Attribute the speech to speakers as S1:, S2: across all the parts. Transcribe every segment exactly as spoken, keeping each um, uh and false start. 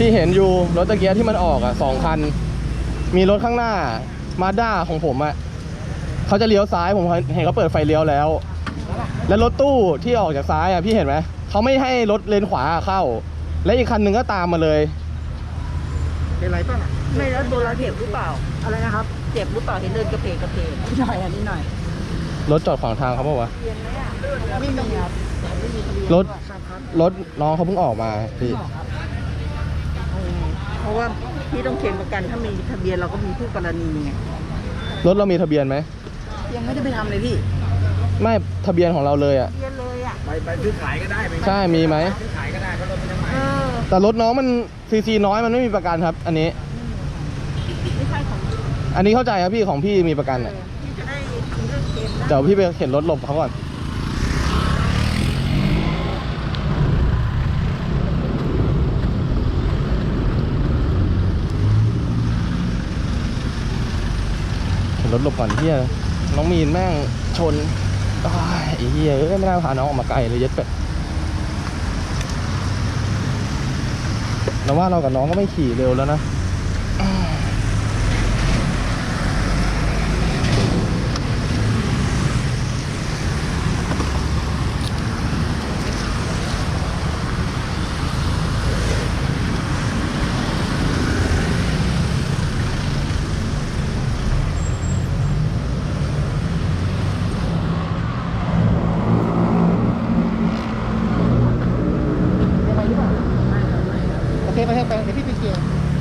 S1: ที่เห็นอยู่รถตะเกียบที่มันออกอ่ะสองคันมีรถข้างหน้ามาด้าของผมอ่ะเขาจะเลี้ยวซ้ายผมเห็นเขาเปิดไฟเลี้ยวแล้วและรถตู้ที่ออกจากซ้ายอ่ะพี่เห็นไหมเขาไม่ให้รถเลนขวาเข้าและอีกคันหนึ่งก็ตามมาเลย
S2: เป็นไรป่ะ
S3: ไม่แล้วโดนเราเจ็บหรือเปล่า
S2: อะไรนะครับ
S3: เจ็บหรือเปล่าเห็นเดินกระเพกกระเพก
S2: นิดหน่อยอันนี้หน่อย
S1: รถจอดขวางทางเขาบอกว่า
S2: ไม่มีครับ
S1: รถรถน้องเขาเพิ่งออกมาพี่
S3: เพราะว่าพี่ต้องเขียนประกันถ้ามีทะเบียนเราก็มีผู้กรณีไง
S1: รถเรามีทะเบียนไหม
S2: ยังไม่ได้ไปทำเลยพี่
S1: ไม่ทะเบียนของเราเลยอ่ะ
S3: ทะเบียนเลยอ่ะ
S2: ไปไปซื้อขายก็ได้
S1: ใช่มีไหม
S2: ซื้อขายก็ได้เพราะรถมันยังใหม่
S1: แต่รถน้องมันซีซีน้อยมันไม่มีประกันครับอันนี้
S3: ไม่ใช่ของ
S1: อันนี้เข้าใจครับพี่ของพี่มีประกันอ่ะ
S3: พี่จะได้เรื่องเกมนะ
S1: เดี๋ยวพี่ไปเข็นรถหลบเขาก่อนเข็นรถหลบก่อนเฮียน้องมีนแม่งชนไอ้เฮียไม่น่าพาน้องออกมาไกลเลยเย็ดเป็ดแล้วว่าเรากับน้องก็ไม่ขี่เร็วแล้วนะ
S2: โอเคไปเถอะไปเดี๋ยวพี่ไปเคลียร์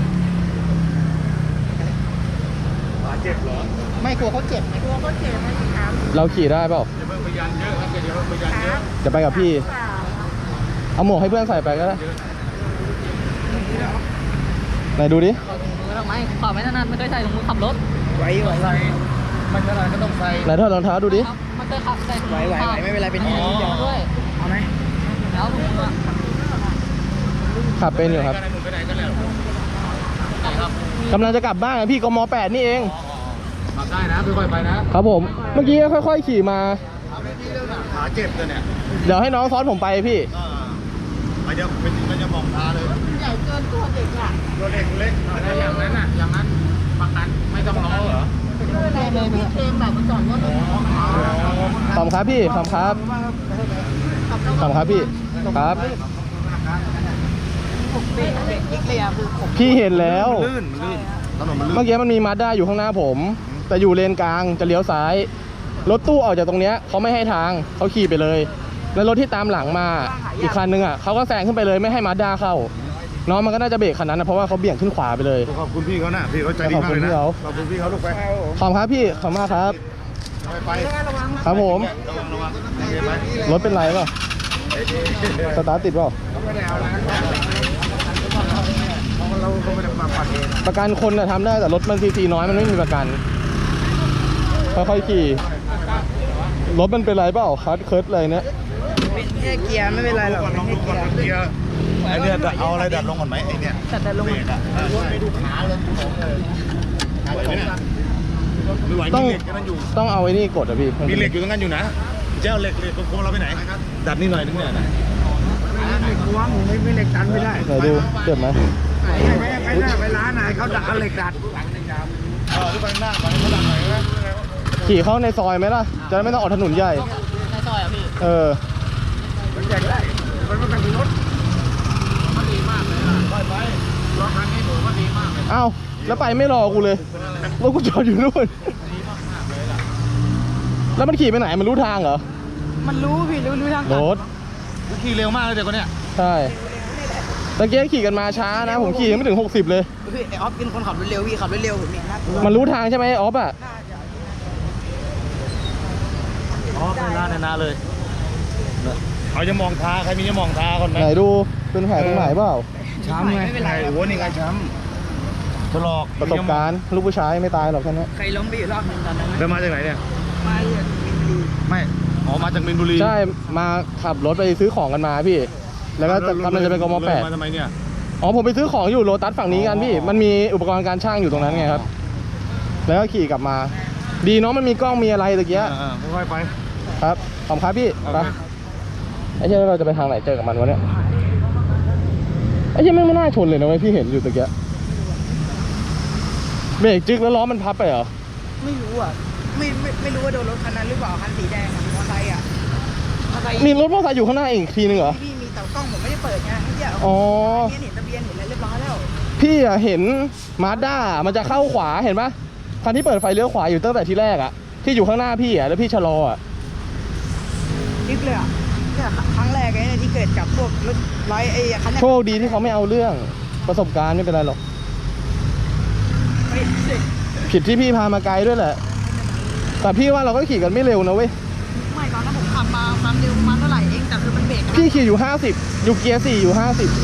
S4: เจ็บเหรอ
S2: ไม่กลัวเขาเจ็บ
S3: กลัวเขาเจ็บไหมครับ
S1: เราขี่ได้เปล่า
S4: อย่าเพิ่งพยานเยอะครับอย่าเพิ่งพยานเยอะ
S1: จะไปกับพี่เอาหมวกให้เพื่อนใส่ไปก็ได้ไหนดูดิ
S3: ทำไมขอไม่ถนัดไม่เคยใส่ถุงมือขับรถ
S2: ไหวไหว
S4: ใส่มันขนาดก็ต้องใส่
S1: ไหนถอดรองเท้าดูดิ
S3: มันเคยขับใส่ถุง
S2: ไหวไหวไหวไม่เป็นไรเป็นที่นี่
S3: ด้วย
S2: เอาไหม
S3: แล้วถุงมือ
S1: ขับเป็นอยู่ครับกำลังจะกลับบ้านพี่กมแปดนี่เอง
S4: ขับได้นะค่อยๆไปนะครับ
S1: ผมเมื่อกี้ค่อยๆขี่มา
S4: ขาเจ็บเลยเนี่ย
S1: เดี๋ยวให้น้องซ้อนผมไปพี่
S4: ไปเดี๋ยวไปถึงก็จะมองตาเลย
S3: ใหญ่เกินตัวเด็กอ่ะ
S4: ตัวเล็กเล็กอย่างนั้นอ่ะอย่างนั้นประกันไม่ต้องรอเหรอ
S3: เคลมเลยเคลมแบบมาจอดรถ
S1: ขอบครับพี่ขอบครับขอบครับพี่ครับพี่เห็นแล้ว
S4: ลื่นลื่นถนนมันลื่น
S1: เมื่อกี้มันมีมาด้าอยู่ข้างหน้าผมแต่อยู่เลนกลางจะเลี้ยวซ้ายรถตู้ออกจากตรงเนี้ยเขาไม่ให้ทางเขาขี่ไปเลยแล้วรถที่ตามหลังมาอีกคันนึงอ่ะเขาก็แซงขึ้นไปเลยไม่ให้มาด้าเข้าน้องมันก็น่าจะเบรกคันนั้นนะเพราะว่าเขาเบี่ยงขึ้นขวาไปเลย
S4: ขอบคุณพี่เขานะพี่เขาใจดีมากเลยนะขอบคุณพี่เขาลูกไป
S1: ขอบครับพี่ขอบมากครับ
S4: ไป
S1: ครับผมรถเป็นไรเปล่าสตาร์ทติดเปล่าประกันคนน่ะทำได้แต่รถมันซีซีน้อยมันไม่มีประกันค่อยๆขี่รถมันเป็นไรเปล่าคัดเคิร์ดเลยเนี่ย
S2: เป็นแค่เกียร์ไม่เป็นไรหรอก
S4: ลองดูก่อนเกียร์ไอเนี่ยเอาอะไรดัดลงก่อนไหมไอเนี่ย
S3: ดัดลง
S4: ไปดูขาเลย
S1: ต้องต้องเอาไอ้นี่กดอ่ะพี่
S4: มีเหล็กอยู่ตรงนั้นอยู่นะเจ้าเหล็กเหล็กโค้งเราไปไหนดัดนี่หน่อยนึงเนี่ยนะ
S2: เหล็กล้วงไม่ไม่เหล็กดันไม่ได้
S1: ไหนดูเจ็บไหม
S2: ไปไปหน้าไปร้านไหนเขาดัดเหล็กดัด
S4: เออไปหน้าไปเขาดัดหน่อยนะ
S1: ขี่เข้าในซอยไหมล่ะจะไม่ต้องออกถนนใหญ่
S3: ในซอยอ่ะพี่
S1: เออ
S2: มันใหญ่ได้มันไม่เป็นรถ
S4: มันดีมากเลยนะไปไปรถคันนี้ผมก็ดีมากเลย
S1: อ้าวแล้วไปไม่รอกูเลยรถกูจอดอยู่นู่นแล้วมันขี่ไปไหนมันรู้ทางเหรอ
S2: มันรู้พี่รู้รู้ทาง
S1: รถ
S4: ขี่เร็วมากเลยเด็กคนเนี้ย
S1: ใช่ตะเกียบขี่กันมาช้านะผมขี่ยังไม่ถึงหกสิบเลย
S2: พี่ไอออฟเป็นคนขับรถเร็วพี่ขับรถเร็วผมเนี่ยน่ากลัว
S1: มันรู้ทางใช่ไหมออฟอ่ะ
S4: อ๋อเป็นร้านนาเลยเขาจะมองทาใครมีจะมองทาคนไหน
S1: ไหนดูเป็นแผลตรงไหนเปล่า
S4: ช้ำไงไงโอ้โหนี่ไงช้ำถลอก
S1: ประสบการณ์ลูกผู้ชายไม่ตายหรอกแค่นี้
S2: ใครล้มไปอยู่รอบนึงตอนนั้น
S4: เดินมาจากไหนเนี่ย
S2: มาจากมินบุรี
S4: ไม่อ๋อมาจากมินบุรี
S1: ใช่มาขับรถไปซื้อของกันมาพี่แล้วก็กำลังจะไปกมแปด
S4: มาทำไมเนี่ย
S1: อ๋อผมไปซื้อของอยู่โลตัสฝั่งนี้กันพี่มันมีอุปกรณ์การช่างอยู่ตรงนั้นไงครับแล้วก็ขี่กลับมาดีเนาะมันมีกล้องมีอะไรตะเกียบ
S4: ค่อยๆไป
S1: ครับขอบครับพี่ไปไอ้เจ้าเราจะไปทางไหนเจอกับมันวะเนี่ยไอ้เหี้ยังไม่งไม่น่าชนเลยนะเว้ยพี่เห็นอยู่ตะเกียเบรกจึกแล้วล้อมันพับไปเหรอ
S3: ไม่รู้อ่ะไม่ไม่ไม่รู้ว่าโดนรถคันนั้นหรือเปล่าคันสีแดงอะมอเตอร์ไซค์อ่ะมอเตอร์ไซค์
S1: มีรถมอเตอร์ไซค์อยู่ข้างหน้าอีกทีนึงเหรอ
S3: พี่มีแต่กล้องผมไม่ได้เปิดไงเมื่อกี้
S1: อ๋อ
S3: เนี่ยเห็นทะเบียนเห็นอะไรเรียบร้อยแล้ว
S1: พี่อะเห็นมาด้ามันจะเข้าขวาเห็นปะคันที่เปิดไฟเลี้ยวขวาอยู่ตั้งแต่ทีแรกอะที่อยู่ข้างหน้าพี่อะแล้วพี่ชะลออะ
S3: ดิฟเลยอ่ะเนี่ยครั้งแรกไอ้เนี่ยที่เกิดกับพวกรถร้อยไอ้คันเนี้ย
S1: โชคดีที่เขาไม่เอาเรื่องประสบการณ์ไม่เป็นไรหรอก
S3: ไม่สิ
S1: ผิดที่พี่พามาไกลด้วยแหละ แต่พี่ว่าเราก็ขี่กันไม่เร็วนะเว้ย
S3: ไม่ตอนนั้นผมขับมาความเร็วประมาณเท่าไหร่เองแต่คือมันเบรกอะ
S1: พี่ขี่อยู่ห้าสิบอยู่เกียร์สี่อยู่ห้าสิบ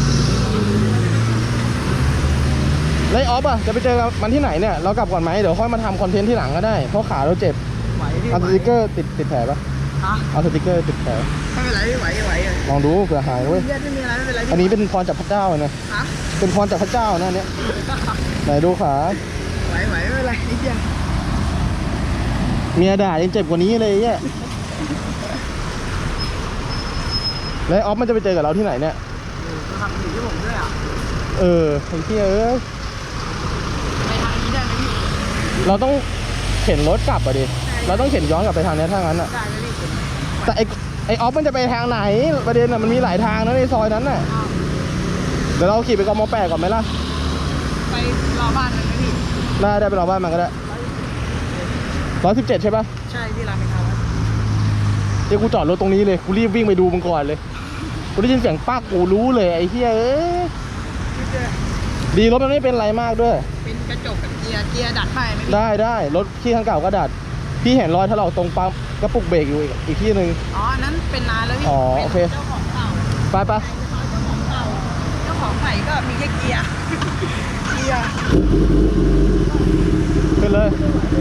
S1: แล้วไอ้ออฟอะจะไปเจอมันที่ไหนเนี่ยเรากลับก่อนไหมเดี๋ยวค่อยมาทำคอนเทนต์ที่หลังก็ได้เพราะขาเราเจ็บ
S3: ไหวพี่
S1: เอาสติกเกอร์ติดติดแผลปะ
S3: ฮะ
S1: เอาสติกเกอร์ติดแผล
S3: ไม่เป็นไรพี่ไหวไหวอะ
S1: ลองดูเผื่อหายเว้ย
S3: เลือดไม่มีอะไรไม่เป็นไรพี่
S1: อันนี้เป็นพรจากพระเจ้าเลยนะ
S3: ฮะ
S1: เป็นพรจากพระเจ้านะอันเนี้ยไหนดูขา
S3: ไหวไหวไม่เป็นไรนิดเดียว
S1: เมียด่ายังเจ็บกว่านี้เลยเนี่ยแล้วไอ้ออฟมันจะไปเจอกับเราที่ไหนเนี่ย
S3: ทำอยู่ที่ผมด้วยอ่ะ
S1: เออไอ้เหี้ยเอ้ย
S3: ไปทางนี้ได้ไหมพี่
S1: เราต้องเข็นรถกลับอ่ะดิ เราต้องเข็นย้อนกลับไปทางเนี้ยถ้างั้นอ่ะ
S3: ได้ไหมพี่
S1: แต่ไอ้ไอ้ออฟมันจะไปทางไหน ประเด็นอ่ะมันมีหลายทางนะในซอยนั้นน่ะ
S3: อ้าว
S1: เดี๋ยวเราขี่ไปกมแปดก่อนไหมล่ะ
S3: ไปรอบ้านมันไหมพี่
S1: ได้ได้ไปรอบ้านมันก็ได้ร้อยสิบเจ็ดใช่ปะ
S3: ใช่ที่รามอินทรา
S1: เดี๋ยวกูจอดรถตรงนี้เลย กูรีบวิ่งไปดูมันก่อนเลย กูได้ยินเสียงป๊ากกูรู้เลยไอ้เหี้ยเอ้ย
S3: พี่เจอ
S1: ดีรถมันไม่เป็นไรมากด้วย
S3: เป็นกระจกกับเกียร์เกียร์ดัดไปไหมพี่
S1: ได้ได้รถที่ข้างเก่าก็ดัด พี่เห็นรอยถลอกตรงปั๊มกระปุกเบรกอยู่อีกอีกที่หนึ่ง
S3: อ๋ออันนั้นเป็นนานแล้วพี่
S1: อ๋อโอเค
S3: เป็นเจ้าของเก่า
S1: ไปไป
S3: เจ้าของเก่าเจ้าของใหม่ก็มีแค่เกียร์ เกียร์
S1: ขึ้นเลย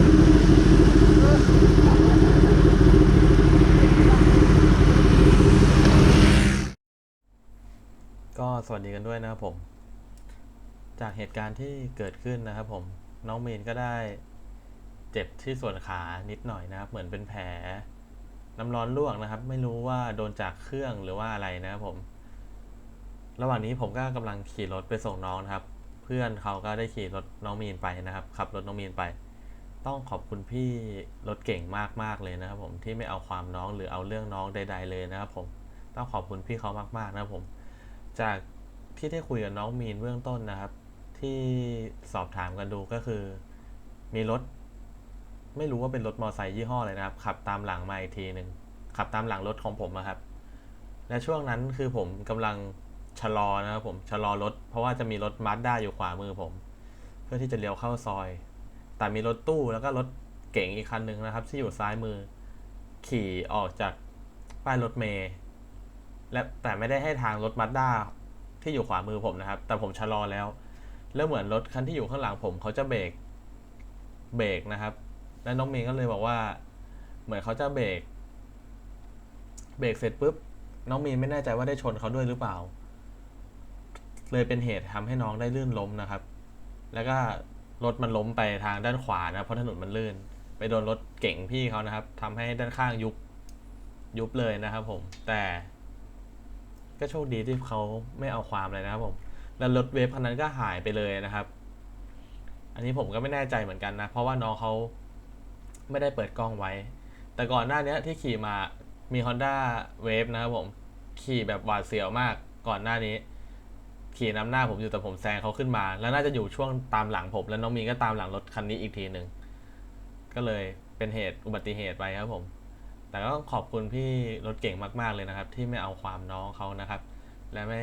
S1: ก็สวัสดีกันด้วยนะครับผม จากเหตุการณ์ที่เกิดขึ้นนะครับผมน้องมีนก็ได้เจ็บที่ส่วนขานิดหน่อยนะครับเหมือนเป็นแผลน้ำร้อนลวกนะครับไม่รู้ว่าโดนจากเครื่องหรือว่าอะไรนะครับผมระหว่างนี้ผมก็กำลังขี่รถไปส่งน้องนะครับเพื่อนเขาก็ได้ขี่รถน้องมีนไปนะครับขับรถน้องมีนไปต้องขอบคุณพี่รถเก่งมากๆเลยนะครับผมที่ไม่เอาความน้องหรือเอาเรื่องน้องใดๆเลยนะครับผมต้องขอบคุณพี่เขามากๆนะครับผมจากที่ได้คุยกับน้องมีนเบื้องต้นนะครับที่สอบถามกันดูก็คือมีรถไม่รู้ว่าเป็นรถมอเตอร์ไซค์ยี่ห้ออะไรนะครับขับตามหลังมาอีกทีหนึ่งขับตามหลังรถของผมนะครับและช่วงนั้นคือผมกำลังชะลอนะครับผมชะลอรถเพราะว่าจะมีรถมาสด้าอยู่ขวามือผมเพื่อที่จะเลี้ยวเข้าซอยแต่มีรถตู้แล้วก็รถเก๋งอีกคันหนึ่งนะครับที่อยู่ซ้ายมือขี่ออกจากป้ายรถเมล์และแต่ไม่ได้ให้ทางรถมาสด้าที่อยู่ขวามือผมนะครับแต่ผมชะลอแล้วแล้วเหมือนรถคันที่อยู่ข้างหลังผมเขาจะเบรกเบรกนะครับแล้วน้องเมย์ก็เลยบอกว่าเหมือนเขาจะเบรกเบรกเสร็จปุ๊บน้องมีนไม่แน่ใจว่าได้ชนเขาด้วยหรือเปล่าเลยเป็นเหตุทำให้น้องได้ลื่นล้มนะครับแล้วก็รถมันล้มไปทางด้านขวานะเพราะถนนมันลื่นไปโดนรถเก๋งพี่เขานะครับทำให้ด้านข้างยุบยุบเลยนะครับผมแต่ก็โชคดีที่เขาไม่เอาความเลยนะครับผมแล้วรถเวฟคันนั้นก็หายไปเลยนะครับอันนี้ผมก็ไม่แน่ใจเหมือนกันนะเพราะว่าน้องเขาไม่ได้เปิดกล้องไว้แต่ก่อนหน้านี้ที่ขี่มามี Honda Wave นะครับผมขี่แบบหวาดเสียวมากก่อนหน้านี้ขี่นำหน้าผมอยู่แต่ผมแซงเขาขึ้นมาแล้วน่าจะอยู่ช่วงตามหลังผมแล้วน้องมีนก็ตามหลังรถคันนี้อีกทีหนึ่งก็เลยเป็นเหตุอุบัติเหตุไปครับผมแต่ก็ต้องขอบคุณพี่รถเก่งมากๆเลยนะครับที่ไม่เอาความน้องเขานะครับและไม่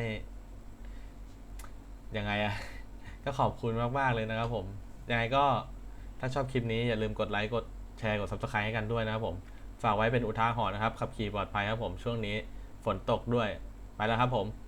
S1: ยังไงอะ ก็ขอบคุณมากๆเลยนะครับผมยังไงก็ถ้าชอบคลิปนี้อย่าลืมกดไลค์กดแชร์กด ซับสไครบ์ ให้กันด้วยนะครับผมฝากไว้เป็นอุทาหรณ์นะครับขับขี่ปลอดภัยครับผมช่วงนี้ฝนตกด้วยไปแล้วครับผม